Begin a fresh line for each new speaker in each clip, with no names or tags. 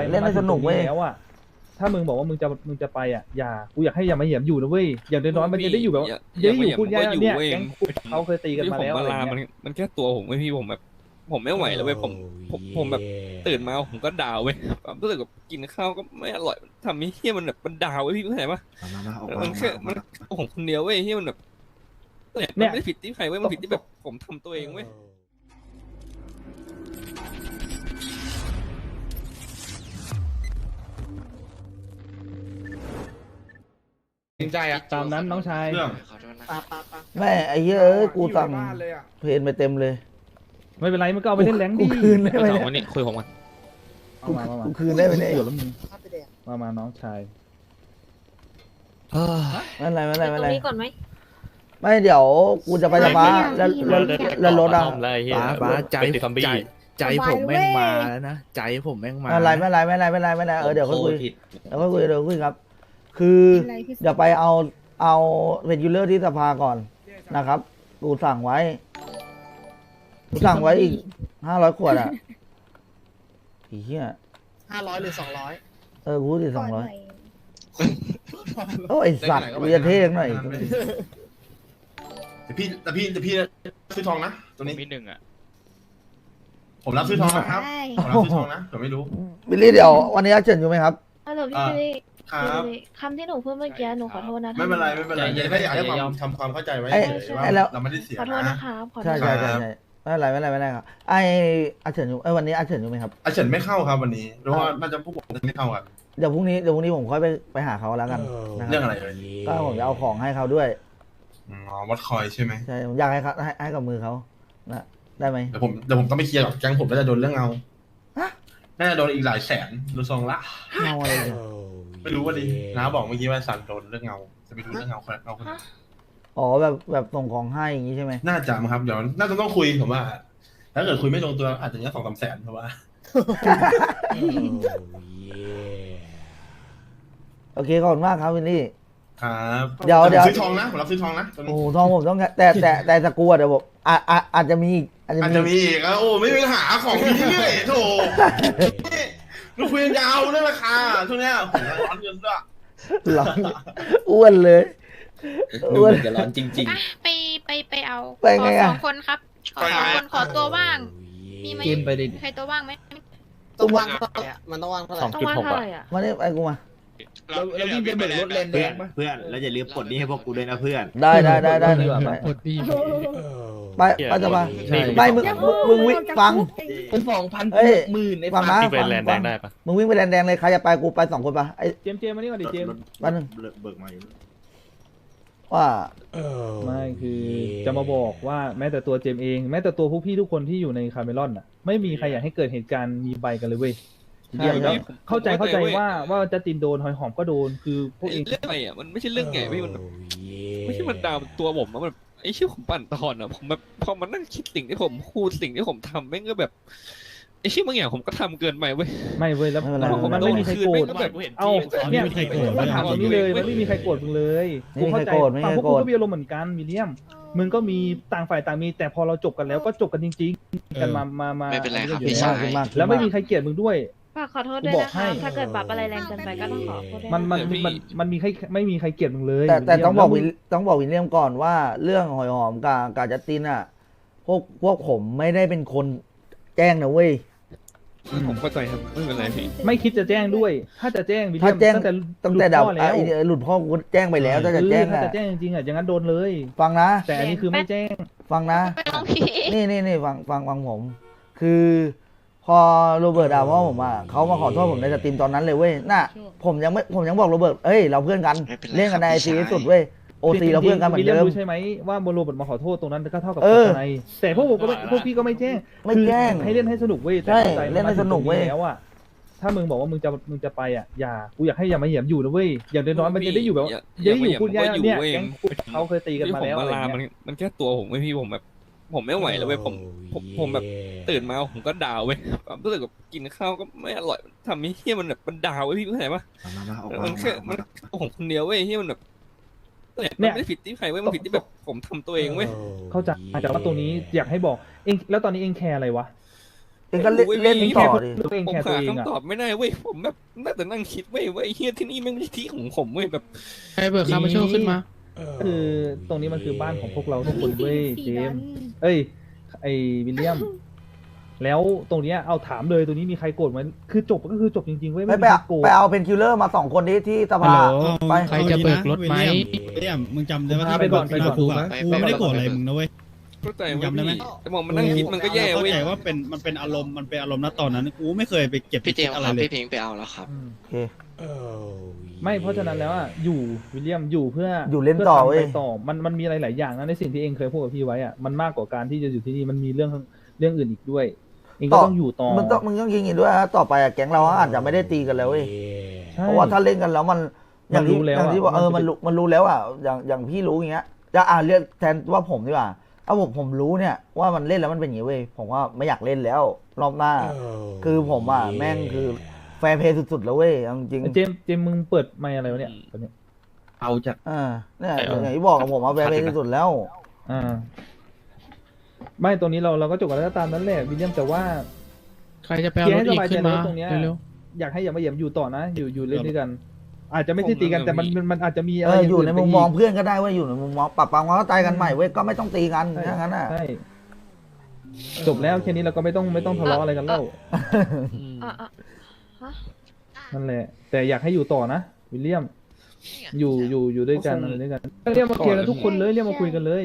เล่นให้สนุกเว้ย
แล้วอ่ะถ้ามึงบอกว่ามึงจะไปอ่ะกูอยากให้อย่ามาเหยียบอยู่นะเว้ยอย่างน้อยๆมันจะได้อยู่แบบจะได้อยู่พูดง่ายๆเนี่ยแก๊งเขาเคยตีกันมาแล้วอะไรเงี้ย
มันแค่ตัวผมไม่พี่ผมแบบผมไม่ไหวแล้วเว้ยผมแบบตื่นมาผมก็ดาวเว้ยความรู้สึกแบบกินข้าวก็ไม่อร่อยทำให้เฮี้ยมันแบบมันดาวเว้ยพี่เข้าใจปะมันแค่มันผมคนเดียวเว้ยเฮี้ยมันแบบเนี่ยไม่ได้ผิดที่ใครเว้ยมันผิดที่แบบผมทำตัวเองเว้ย
จริงใจอะ
ตามนั้นน้องชาย
เรื่อง
แม่ไอ้เหี้ยเอ้ยกูสั่งเพนไปเต็มเลย
ไม่เป็นไรมึงก็เอาไปเล่นแรงดิ
กูคืนได้ไหม
สอง
เนี่ย
วันนี้คุยผมกัน
เอามา
กูคืนได้ไหมเนี่ย
เดี๋ยวแล้วมึงมาน้องชาย
ไม่เป็นไรไม่เป็นไรไม่เป็นไร
ตรงนี้ก่อนไหม
ไม่เดี๋ยวกูจะไปสภาแล้วรถอ่ะ
ป้าใจผมแม่งมาแล้วนะใจผมแม่งมา
ไม่เป็นไรไม่เป็นไรเดี๋ยวค่อยคุยเดี๋ยวคุยครับ คืออย่าไปเอาเป็นยูเลอร์ที่สภาก่อนนะครับกูสั่งไว้อีก500 ขวดอ่ะอีเหี้ย
500 หรือ 200
กูพูดถึง200โอ้ยไอ้สัตว์กูจะเท่งหน่อย
แต่พี่ซื้อทองนะตรงนี้
มีหนึ่งอ่ะ
ผมรับซื้อทองนะครับผมรับซื้อทองนะผมไม่รู้
บิลลี่เดี๋ยววันนี้อาเฉินอยู่ไหมครับ
ฮัลโหลพี่บิลลี่
ครับ
คำที่หนูพูดเมื่อกี้หนูขอโทษนะ
ไม่เป็นไรอย่าได้อยากให้ทำความเข้าใจไว้
ไอ้
เฉยๆว่า
ไอ้แล้ว
เราไม่ได้เสีย
ขอโทษ
นะ
นะครับขอโท
ใช่
ษ
ไม่เป็นไรครับไออาเฉินอยู่วันนี้อาเฉินอยู่ไหมครับ
อาเฉินไม่เข้าครับวันนี้เพราะว่าน่าจะพวกผมจะไม่เข้ากัน
เดี๋ยวพรุ่งนี้ผมค่อยไปหาเขาแล้วกันนะค
เรื่อง
รับ
อะไรเลย
ก็ผมจะเอาของให้เขาด้วย
อ๋อวัดคอยใช่ไหม
ใช่ผมอยากให้เขาให้กับมือเขานะได้ไหม
เดี๋ยวผมต้องไปเคลียร์กับแก๊งผมน่าจะโดนเรื่องเอา
ฮะ
น่าจะโดนอีกหลายแสนดูทรงละ
เงาอะไรเนี่ย
ไม่รู้ว่าดิน้าบอกเมื่อกี้ว่าสันโดนเรื่องเงาจะไปดูเรื่องเงาคนเอาคนไหน
อ๋อแบบส่งของให้อย่างนี้ใช่ไหม
น่าจะมั้งครับเดี๋ยวน่าจะต้องคุยผมว่า ถ้าเกิดคุยไม่ลงตัวอาจจะเนี้ย2-3 แสนเพราะว่า
โอเคขอบคุณมากครับวินนี่
ครับ
เดี๋ยว
ผมซื้อทองนะผมรับซื้อทองนะตอน
โอ้
นี้
โหทองผมต้องแต่สกรูอะเดี๋ยวผมอาจจะมีอีกอาจ
อาจ
จะ
จะ
มี
มีอีกโอ้ไม่มีปัญหาของพี่เรื่อยโถเราคุยกันยาวเรื่องราคาช่วงเนี้ยผมร้อนเงินด้วย
หลังอ้วนเลย
ดู
อ้วน
จะร้อนจริง
อ่ะไปเอา
ไปไงอะ
ขอ2 คนครับขอ2 คนขอตัวว่าง มีไหม
กินไปดิ
ใครตัวว่างไหม
ต้องว่างเท่าไหร่อะมันต้องว่างเท่าไหร่
ต้องว่างเท่าไหร่อ่ะ
มาเนี่ยไอ้กูมา
แล้ววิ่งไปเบิกรถเลนแดงปะ
เพื่อนแล้วอย่าลืมปลดหนี้ให้พวกกูด้วยนะเพื่อน
ได้
ดีกว่าไหม
ไปจะมาไม่มึงวิ่งฟัง
เป็น2,000
เฮ้ย
หมื่นใน
ฟังนะ
ๆเป็นแลนด์แดงได้ปะ
มึงวิ่งไปแดงเลยใครจะไปกูไป2 คนปะไอ้
เจมส์มานี่ก่อนดิเจมส์
วันหนึ่ง
เบิกมาอยู่
ว่า
ไม่คือจะมาบอกว่าแม้แต่ตัวเจมส์เองแม้แต่ตัวพวกพี่ทุกคนที่อยู่ในคาเมลอนอ่ะไม่มีใครอยากให้เกิดเหตุการณ์มีใบกันเลยเว้ย
ใช่ครับ
เข้าใจว่าจัสตินโดนหอยหอมก็โดนคือพวกเอง
เรื่องอะไรอ่ะมันไม่ใช่เรื่องใหญ่พี่มันไม่ใช่มันดาวตัวผมอะมันไอ้ชื่อผมปั่นตอนอ่ะผมแบบพอมานั่งคิดสิ่งที่ผมพูดสิ่งที่ผมทำแม่งก็แบบไอ้ชื่อบางอย่างผมก็ทำเกินไปเว้ย
ไม่เว้ยแล้ว
ไม่เป็นไร
มันไม่มีใครโกรธ
โดนคืนแม่งก็แบบ
เอาเนี่ยมันถามตรงนี้เลยมันไม่มีใครโกรธมึงเลย
ไม่มีใคร
เข้าใจ
โกรธไม่มี
ฝั่ง
ใคร
พวก
โกรธ
กูก็มีอารมณ์เหมือนกันวิลเลียมมึงก็มีต่างฝ่ายต่างมีแต่พอเราจบกันแล้วก็จบกันจริงๆกันมา
ไม่เป็นไรครับ
อยู่
พี่
แล้ว
ชาย
ขึ้นมาก
แล้วไม่มีใครเกลียดมึงด้วย
ฝากขอโทษด้วย
กูบอ
นะ
กให้
คะถ้าเกิดบัฟอะไรแรงเกินไปก็ต้องขอโทษด้วย
มันมีใครไม่มีใครเกลียดมึงเลย
แต่ต้องบอก
วิล
ต้องบอกวิลเลียมก่อนว่าเรื่องหอยหอมกับจัสตินอ่ะพวกผมไม่ได้เป็นคนแจ้งนะเว้ย
ผมเข้าใจครับไม่เป็นไรพี่
ไม่คิดจะแจ้งด้วย ถ้าจะแจ้งวิลเลี
ถ้าย
ม
แจ้ง
ตั้งแต่
ตั้งแต่ดับ
หลุดพ่อแล้ว
หลุดพ่อกูแจ้งไปแล้วถ้าจะแจ้ง
ถ้า
อ่ะ
จะแจ้งจริงๆอ่ะอย่างนั้นโดนเลย
ฟังนะ
แต่อันนี้คือไม่แจ้ง
ฟังนะ
ไม่ต้องพี่
นี่ฟังผม คือพอโรเบิร์ตด่าพ่อผมอ่ะเขามาขอโทษผมในสตรีมตอนนั้นเลยเว้ยน่ะผมยังบอกโรเบิร์ตเอ้ยเราเพื่อนกัน
ไม่เป็นไร
เล่นกันใน
ค
ไอ
รับ
ซี
พี่ชาย
สุดเว้ยโอซีเราเพื่อนกันเหมือนเดิม
รู้ใช่ไหมว่าโมโรบทมาขอโทษตรงนั้นก็เท่ากับ
เออ
ในแต่พวกผมก็ไม่พวกพี่ก็ไม่แจ้ง
ไม่แจ้ง
คือให้เล่นให้สนุกเว้ยแต่
ใช่
ข้าใจ
เล่นให้สนุกเว้ย
แล้วอ่ะถ้ามึงบอกว่ามึงจะไปอ่ะกูอยากให้อย่ามาเหยียบอยู่นะเว้ยอย่างน้อยๆมันจะได้อยู่แบบจะได้อยู่พูดง่ายๆเนี่ยแก๊งเขาเคยตีกันมาแล้วอะไร
มัน
เงี้ย
มันแค่ตัวผมไม่พี่ผมแบบผมไม่ไหวแล้วเว้ยผมแบบตื่นมาผมก็ดาวเว้ยความรู้สึกแบบกินข้าวก็ไม่อร่อยทำให้เฮี้ยมันแบบมันดาวเว้ยพี่เข้าใจปะมันแค่มันผมคนเดียวเว้ยเฮี้ยมันแบบมันไม่ได้ผิดที่ใครเว้ยมันผิดที่แบบผมทำตัวเองเว้ย
เข้าใจแต่ว่าตรงนี้อยากให้บอกเองแล้วตอนนี้เองแคร์อะไรวะ
เองก็เล่นต่อดิ
ตัวเอง
ผม
แค่ตัว
หา
เองอ่ะ
คำตอบไม่ได้เว้ยผมแบบน่าแต่นั่งคิดเว้ยว่าไอ้เฮียที่นี่ไม่ใช่ที่ของผมเว้ยแบบ
ใครเบิกคามาโชว์ขึ้นมา
คือตรงนี้มันคือบ้านของพวกเราทุกคนเว้ยเจมส์เอ้ยไอวิลเลียม แล้วตรงเนี้ยเอาถามเลยตรงนี้มีใครโกรธไหมคือจบก็คือจบจริงๆเว้ย
ไม่
มี
ไป
ใคร
เอา
โกรธ
ไปเอาเพนคิลเลอร์มา2 คนนี้ที่ส
ฮัล
ภา
โหล
ไป
ใครจะเบิกรถไหม
วิลเลียมมึงจำได้ว่า
พาไปก่อนไปก่อน
กูอะกูไม่ได้โกรธอะไรมึงนะเว้ย
เข้าใจ
จำได้
ว่า
ไหม
แต่มองมันนั่งคิดมันก็แย่
เข้า
เว้ย
ใจว่ามันเป็นอารมณ์ณตอนนั้นกูไม่เคยไปเก็บ
พี่เจมส์
อะไร
ครับ
เลย
พี่พิงค์ไปเอาแล้วครับ
อืม
โอเค
ไม่เพราะฉะนั้นแล้วอ่ะอยู่วิลเลียมอยู่เพื่อ
อ
อยู่
เล่นต่อ
ทำ
เว้
ไป
ย
ต่อมันมีอะไรหลายอย่างนะในสิ่งที่เองเคยพูดกับพี่ไว้อ่ะมันมากกว่าการที่จะอยู่ที่นี่มันมีเรื่องอื่นอีกด้วย เองก็ต้องอยู่ต่อ
มึงต้องยิงอีกด้วยนะต่อไปอะแก๊งเราอาจจะไม่ได้ตีกันแล้วเว้ย
ใช่
เพราะว่าถ้าเล่นกันแล้วมันอย่างที่
มันรู้แล้ว
อย่างที่ว่า
อะ
มันรู้แล้วอ่ะอย่างพี่รู้อย่างเงี้ยจะเรียกแทนว่าผมดีกว่าเอาผมรู้เนี่ยว่ามันเล่นแล้วมันเป็นอย่างงี้เว้ยผมว่าไม่อยากเล่นแล้วรอบหน้า คือผมอ่ะแม่งคือแฟร์เพย์สุดๆแล้วเว้ยเอาจริง
เจมส์มึงเปิดไมค์อะไรวะเนี่ยตอนนี้
เอาจาก
เนี่ยอย่างที่บอกกับผมว่าแฟร์เพย์สุดๆแล้ว
อ่าไม่ตรงนี้เราก็จบกันแล้วตามนั้นแหละวิลเลียมแต่ว่า
ใครจะไปเอารถอีกขึ้นมา
ตรงเนี้ย
เร็ว
อยากให้อย่ามาเหยียบอยู่ต่อนะ อยู่เล่นด้วยกัน อาจจะไม่ใช่ตีกันแต่มันอาจจะมีอะ
เอ
ไร
ออยู่ในมุมมอง
ไปก
เพื่อนก็ได้เว้ยอยู่ในมุมมองปรับความเข้าใจกันใหม่เว้ยก็ไม่ต้องตีกันถ้างั้นอ่ะ
ใช่จบแล้วแค่นี้เราก็ไม่ต้องทะเลาะอะไรกันแล้ว
อ่ะฮะ
นั่นแหละ แต่อยากให้อยู่ต่อนะวิลเลียม อยู่ด้วยกันอะไรด้วยกันเรียกมาเคลียร์กันทุกคนเลยเรียกมาคุยกันเลย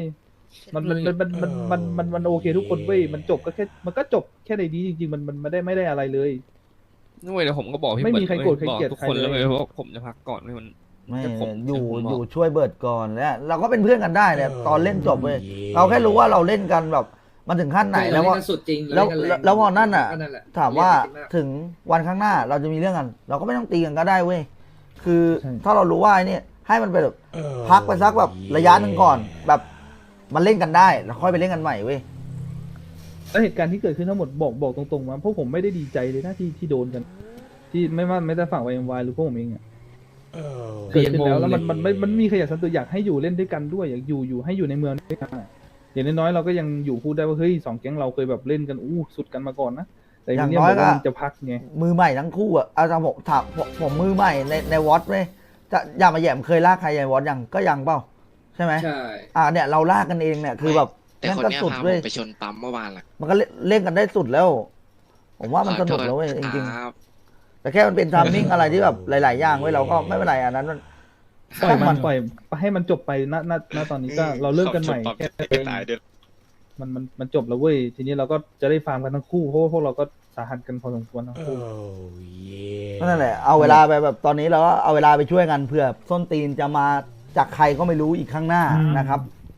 มันโอเคทุกคนเว้ยมันจบก็แค่มันก็จบแค่ในนี้จริงๆมันไม่ได้อะไรเลย
นั่นเว้ยเดี๋ยวผมก็บอกพี่
ไม่มี
เบิ
ใคร
ร์ด
โกรธ
เว้ย
ใคร
บอก
เกลียด
ทุกคน
ใครเลย
แล้วเว้ยว่าผมจะพักก่อนเว้ยมัน
ไม่
แต่ผม
อยู่ช่วยเบิร์ดก่อนแล้วเราก็เป็นเพื่อนกันได้เนี่ยตอนเล่นจบเว้ยเราแค่รู้ว่าเราเล่นกันแบบมันถึงขั้นไหนแล้วว่า
สุดจริง
แล้วพอนั่นอ่ะ
ก็นั่นแหละ
ถามว่าถึงวันข้างหน้าเราจะมีเรื่องกัน เราก็ไม่ต้องตีกันก็ได้เว้ยคือ
ใช่
ถ้าเรารู้ว่าไอ้เนี่ยให้มันไปแบบพักไปสักแบบระยะหนึ่งก่อน แบบมันเล่นกันได้แล้วค่อยไปเล่นกันใหม่เว้ย
แล้วเหตุการณ์ที่เกิดขึ้นทั้งหมดบอกตรงๆมาพวกผมไม่ได้ดีใจเลยนะที่โดนกัน ที่ไม่ได้ฝั่ง YMY หรือพวกผมเองอ่ะเกิดขึ้นแล้วมันมีขยะสันติอยากให้อยู่เล่นด้วยกันด้วยอยากอยู่ให้อยู่ในเมืองด้วยกันอะอย่างน้อยๆเราก็ยังอยู่พูดได้ว่าเฮ้ยสองแก๊งเราเคยแบบเล่นกันสุดกันมาก่อนนะแต่อย่างนี้บอกว่ามันจะพักไง
มือใหม่ทั้งคู่อ่ะอาจารย์ผมถามผมมือใหม่ในวอตเว้ยจะอย่ามาแย่มเคยลากใครในวอตยังก็ยังเปล่าใช่ไหม
ใช่
เนี่ยเราลากกันเองเนี่ยคือแบบ
แต่
นั่น
คน
ก็
เนี้ย
สุด
พาผ
เว้ย
มไปชนปั๊มเมื่อวานล่ะ
มันก็เล่นกันได้สุดแล้ว ผมว่ามันสนุกแล้วเว้ยจริง
ครับ
ๆแต่แค่มันเป็นทามมิ่งอะไรที่แบบหลายๆอย่างเว้ยเราก็ไม่เป็นไรอันนั้นมัน
ปล่อยให้มันจบไปณตอนนี้ก็เราเลิกกันใหม่แค่มันจบแล้วเว้ยทีนี้เราก็จะได้ฟาร์มกันทั้งคู่เพราะว่าพวกเราก็สาหัสกันพอสมควรทั้งคู่
นั่นแหละเอาเวลาไปแบบตอนนี้เราก็เอาเวลาไปช่วยกันเผื่อส้นตีนจะมาจากใครก็ไม่รู้อีกข้างหน้านะครับ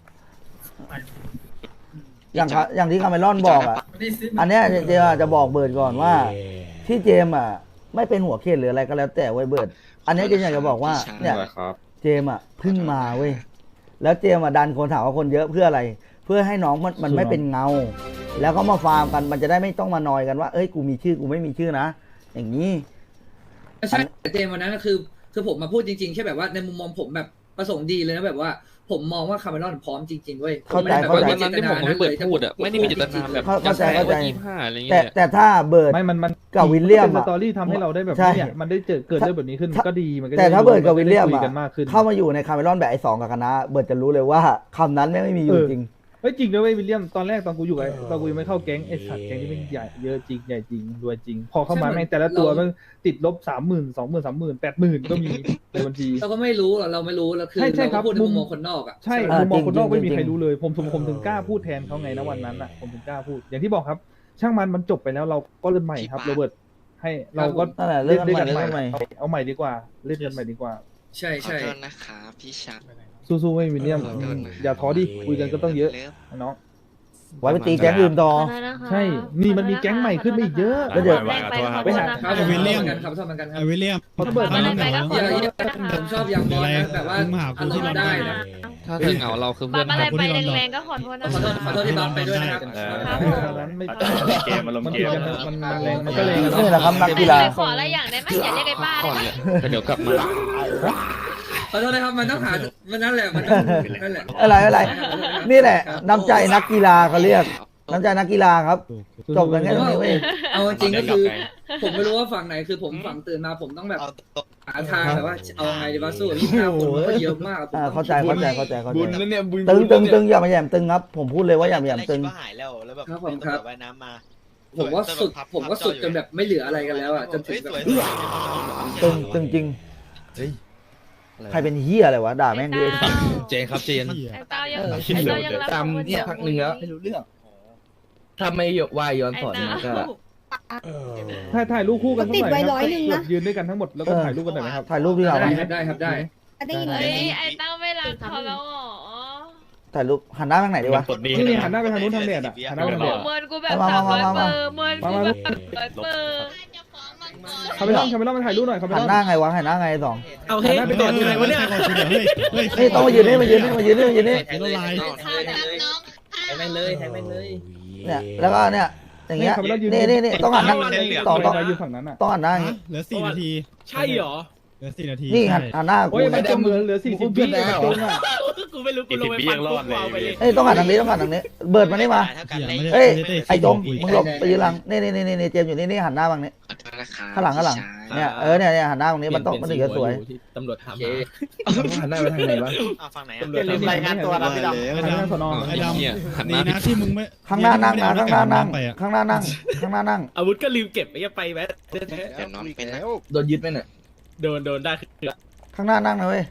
อย่างที่คาเมรอนบอกอ่ะอันเนี้ยเจมจะบอกเบิร์ดก่อนว่า ที่เจมอ่ะไม่เป็นหัวเขตหรืออะไรก็แล้วแต่เว้ยเบิร์ดอันนี้เจมอยากจะบอกว่าเนี่ยเจมอ่ะเพิ่งมาเว้ยแล้วเจมอ่ะดันคนถามว่าคนเยอะเพื่ออะไร เพื่อให้น้องมันไม่เป็นเงา แล้วก็มาฟาร์มกันมันจะได้ไม่ต้องมานอยกันว่าเอ้ยกูมีชื่อกูไม่มีชื่อนะอย่างนี้
ใช่แต่เจมวันนั้นก็คือผมมาพูดจริงๆแค่แบบว่าในมุมมองผมแบบประสงค์ดีเลยนะแบบว่าผมมองว่าคาเมรอนพร้อมจริงๆเว้ย
เข้าใจ
วันนั้นที่ผมไม่เปิดพูดอ่ะไม่ได้มีเจตนาแบบ
เข้าใจ
ว่า25อะไรเงี้ย
แต่ถ้าเบิร์ด
ไม่มัน
กับวิลเลียม
เป็นส
อะ
ตอรี่ทำให้เราได้แบบ
ใช่
เนี่ยมันได้เกิดเรื่องแบบนี้ขึ้นก็ดีมันก็
แต่ถ้าเบิร์ดกับวิลเลียม
คุ
อะ
กันมากขึ้น
เข้ามาอยู่ในคาเมรอนแบบไอ้สองกับคณะเบิร์ดจะรู้เลยว่าคำนั้นไม่มีอยู่จริง
เฮ้ยจริงด้วยเว้ยวิลเลียมตอนแรกตอนกูอยู่ไอ้ตอนกูยังไม่เข้าแก๊งไอ้สัตว์แก๊งที่มันใหญ่เยอะจริงใหญ่จริงรวยจริง พอเข้ามาแม่งแต่ละตัวมันติดลบ30,000 20,000 30,000 80,000ก็มีในบัญชี
เราก็ไม่รู้หรอกเราไม่รู้แล้วคือ
ใช่ครั
เรา
บ
ก็พูดในมุมมองคนนอกอ่ะ
ใช่
เออ
มุมมองคนนอก
จริงๆ
ไม่มีใคร
จริงๆ
รู้เลยผมถึงกล้าพูดแทนเขาไงนะวันนั้นอ่ะผมถึงกล้าพูดอย่างที่บอกครับ ช่างมันจบไปแล้วเราก็เริ่มใหม่ครับโรเบิร์ตให้เราก็
นั่นแหละ
เล่นด้วย
เรื่
กั
อน ง
ให
ใหม่
ม่เอาใหม่ดีกว่าเล่นกันใหม่ดีกว่า
ใช่
ขอ
ใช่
โทษนะครับพี่ชัก
สู้ๆไม่วิลเลียม
ขอโทษนะ
อย่าท้อดิคุยกันก็ต้องเยอะ
ลิฟ
น้อง
ไว้ไปตีแก๊งอื่นต่อ
ขอโทษนะคะ
ใช่นี่มันมีแก๊งใหม่ขึ้นมาอีกเยอะ
แล้วเดี๋ยว
แรงไปขอโทษนะ
ครั
คะ
บ
วิลเลียม
ครับชอบเหมือนกันครับ
วิลเลียม
ระเบิด
มาเลยไปก็ขอ
อย่า
โทษ
อย่า
นะคะ
ผมชอบอย่างบอลนะแบบว่า
มึงมาหากู
อาร
ที่
ม
ลอน
ณ์
ดอน
ได้นะ
ถ้าเธอเหงาเราคือเพื่อน
มาอะไร
ครับ
ไปแรงๆก็ขอโทษนะ
ขอโทษที่บัมไปด้วยนะครับ
นั้นไม่
เกมอารมณ์เกม
มันแรงมันก็แรง
นี่แหละครับนักกีฬา
ขออะไรอย่างได้ไหมอย่าเรียกไอ้ป้า
ก่อน
ได้
เนี่ยแต่เดี๋ยวกลับมา
ขอโทษนะครับมันต้องหามันนั่นแหละมันต้องนั่นแหละ
อะไรนี่แหละน้ำใจนักกีฬาเขาเรียกน้ำใจนักกีฬาครับ จบกันแค่ตรงนี้เว้ย
เอาจริงๆก็คือ ผมไม่รู้ว่าฝั่งไหนคือผมฝั่งตื่นมาผมต้องแบบหาทางแบบว่าเอาไงดีวะสู้กับ29 คนมันก็เยอะมากผมต้อง
เข้าใจ
บุญแล้วเนี่ยบุญ
ตึงอย่ามาแหย่มตึงครับ ผมพูดเลยว่าอย่ามาแหย่มตึง
หายแล้วแล้วแบบ
ครับผมครับ
ว่ายน้ำมา
ผมว่าสุดจนแบบไม่เหลืออะไรกันแล้วอ่ะจนถึงแบบ
ตึงจริง ใครเป็นเฮียอะไรวะด่าแม่งดิ
เจนครับเจน
ไอ้เต้ายังไอ้เต้ายังรับ
ตาม
คน
เนี่ยพักหนึ่งแล้วไม่รู้เรื่องถ้าไม่วายย้อนสอนมันก็
ถ่ายรูปคู่กันสัก
ติด
หน่อย
ไว้
ครับ
100นะ
ยืนด้วยกันทั้งหมดแล้วก็ถ่ายรูปกันหน่อยไหมครับ
ถ่ายรูปดีกว่า
ได้
ไหม
ครับได้ครับได้
ได้ยินไหม
เฮ้ยไอ้เต้าไม่รักเขาแล้วเหรอ
ถ่ายรูปหันหน้าทางไหนดีวะ
นี่หันหน้าไปทางนู้นทางเน็ตอ่ะหันหน้าไปทาง
โอ้
เน็ต
เมินกูแบบ
มา
300
มา
เบอร์เมินกูแบบ300 เบอร์
คาเมลอนมาถ่ายรูปหน่อยคาเมล
หั
อน น
หน้าไงวะหันหน้าไงสอง
เอาเฮ้ยไปต่อที่ไหนวะเนี่ย
นี่ต้องมายืนนี่มายืนนี่
ไอ้ละลาย
ให้แม่งเลยให้แม่งเลย
เนี่ยแล้วก็เนี่ยอย่างเงี้ยนี่ต้องหันหน้า
ต่
ต่
อ
อ
ต่
ต้
อ
อง
ยืนฝั่งนั้นอ่ะ
ต้องหันหน้าอย่างงี้
เหลือ4 นาที
ใช่เหรอ
เหลือ4 นาที
นี่หันหน้ากู
โอ้ยมันจะเหลือ40 วินาทีอ่ะ
กูไม่รู้กูลงไปฟังกูเอาไปเลย
เอ้ยต้องหันทางนี้เบิร์ดมานี่มา เอ้ยไอ้จงมึงหลบไปยืนหลังนี่เจมส์อยู่นี่หันหน้าบังนี้ข้างหลังเนี่ยเนี่ยหันหน้าบังนี้มันถึงจะสวย
ตำรวจถามหันหน้าไปทางไหนวะ
ฝั่งไหน
อย่าลืมรายงานตัวนะพี่ดำ
ไอ้ดำ
สนอ
ไอ้ด
หัน
ำ
ห
ดี
น้า
นะที่มึงไม่
ข้างหน้านั่งนะข้างหน้านั่ง
ไปอ่ะ
ข้างหน้านั่ง
อาวุธก็ลืมเก็บไปแวะ
เดี๋ยวน้องเป็นนะ
โดนยึดไหมเนี่ยโดนได้
ข้างหน้านั่งนะเว้ย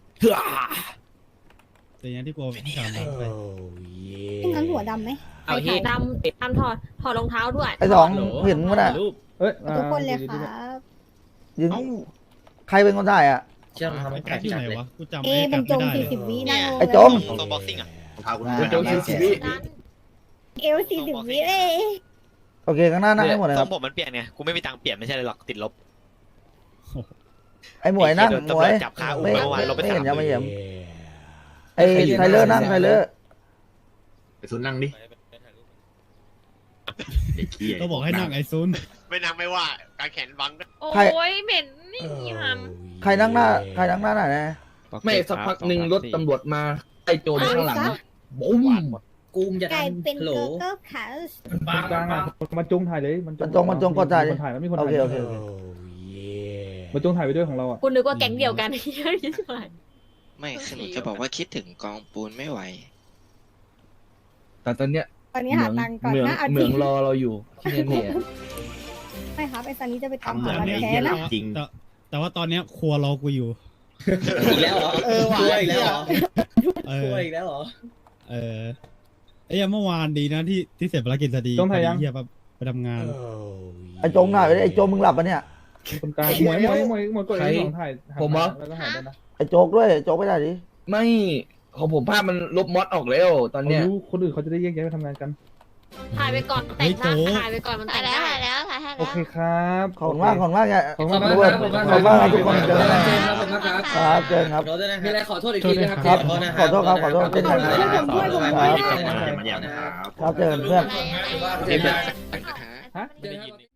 แต่ยังที่กูพี่ดำไป
งั้นหัวดำไหม
เอาเฮ้ย
ดำถอดรองเท้าด้วย
ไอ้สองเห็นมั้ยน่ะ
รูป
เอ้ย
ทุกคนเลยครับ
ยืนใครเป็นคนถ่ายอ่ะ
เชื่อมทำ
ไอ้
ให้
การอยู่ไหนวะกูจำ
เอ
ไอ้
บร
การ
รจ
ไม่
ง
ได้
40 วินั่งลง
ไอ้จง
ตัวบ็อกซิ่งอ่ะ
โจงชีวิต
เอว40 วิเลย
โอเคข้างหน้านั่งให้หมดเลย
ท
ค
ร
รั
ง
บ
ผมมันเปลี่ยนไงกูไม่มีตังค์เปลี่ยนไม่ใช่เลยหรอกติดลบ
ไอ้หมวยนั่ง
โดน
หม
ตำร
ว
วย จจับคาอุ้ม
ไม่
เมื่อวานลบไป
ไม่
สา
เห็
ม
นยังไม่เห็นไอ้ไทเลอร์นั่งไทเลอร์
ไปซุนนั่งดิ
ก็บอกให้นั่งไอ้ซุน
ไม่นั่งไม่ว่าการแขนบัง
โอ้ยเหม็นนี่หำ
ใครนั่งหน้าไหนนะ
ไม่สักพักหนึ่งรถตำรวจมาไอ้โจรข้างหลังบุ้ม
กูมจะ
กลาย
ทำ
เป็น
โหล
เกอร์ขา
กลางอ่ะมันจงถ่ายเลยมันจง
กดถ่าย
มันถ่ายมันมีคน
โอ
ถ่าย
เค
มันจงถ่ายไปด้วยของเราอ่ะ
กูนึกว่าแก๊งเดียวกันเยอะยิ่งกว่า
ไม่คือหนูจะบอกว่าคิดถึงกองปูนไม่ไหว
แต่ตอนเนี้ย
ตอนนี้หาตังค์ก่อนนะเอา
เห
จ
มื
ริ
อง งรอเราอยู่ที่เนี่ย
ไม่ครับไอ้ซันนี้จะไปตามหา
แต่
วันแท้นะ
แต่ว่าตอนเนี้ยครัวรอกูอยู่
อีกแล้วเหรอช่วยอีกแล้วเหรอ
เอ
ช่
อ
วยอีกแล้วเหรอ
ไอ้ยังเมื่อวานดีนะที่เสร็จภารกิจสดีเฮียไปทำงาน
ไอ้จงหน่อยไอ้โจมึงหลับปะเนี่ย
คนกลางหมวยกดไอ้สองถ่ายแล้วก็ถ่ายได้นะ
ไอ้โจกด้วยโจกไม่ได้ดิ
ไม่ของผมภาพมันลบมอดออกแล้วตอนเนี้ย
คนอื่นเขาจะได้แยกย้ายไปทำงานกัน
ถ่ายไปก่อนแต่งหน้าถ่ายไปก่อนมันแต่งได้แล้วถ่ายให้
โอ
แล้ว
เคครับ
ขอบคุณมากอย่า
ขอบ
ข
คุ
อบ
ณ
คุณ
มาก
ครับขอบคุณมาก
ขอบคุณมากทุกคนเจอกัน
เจมส์ครับผมนะครับ
ครับเจอครับ
มีอะไรขอโทษอีกทีนะครับ
ครับขอโทษครับเช่นกันครับ
ผมด้วย
ครับเจอเพื่อน
เจมส์
ฮะ
เจอกัน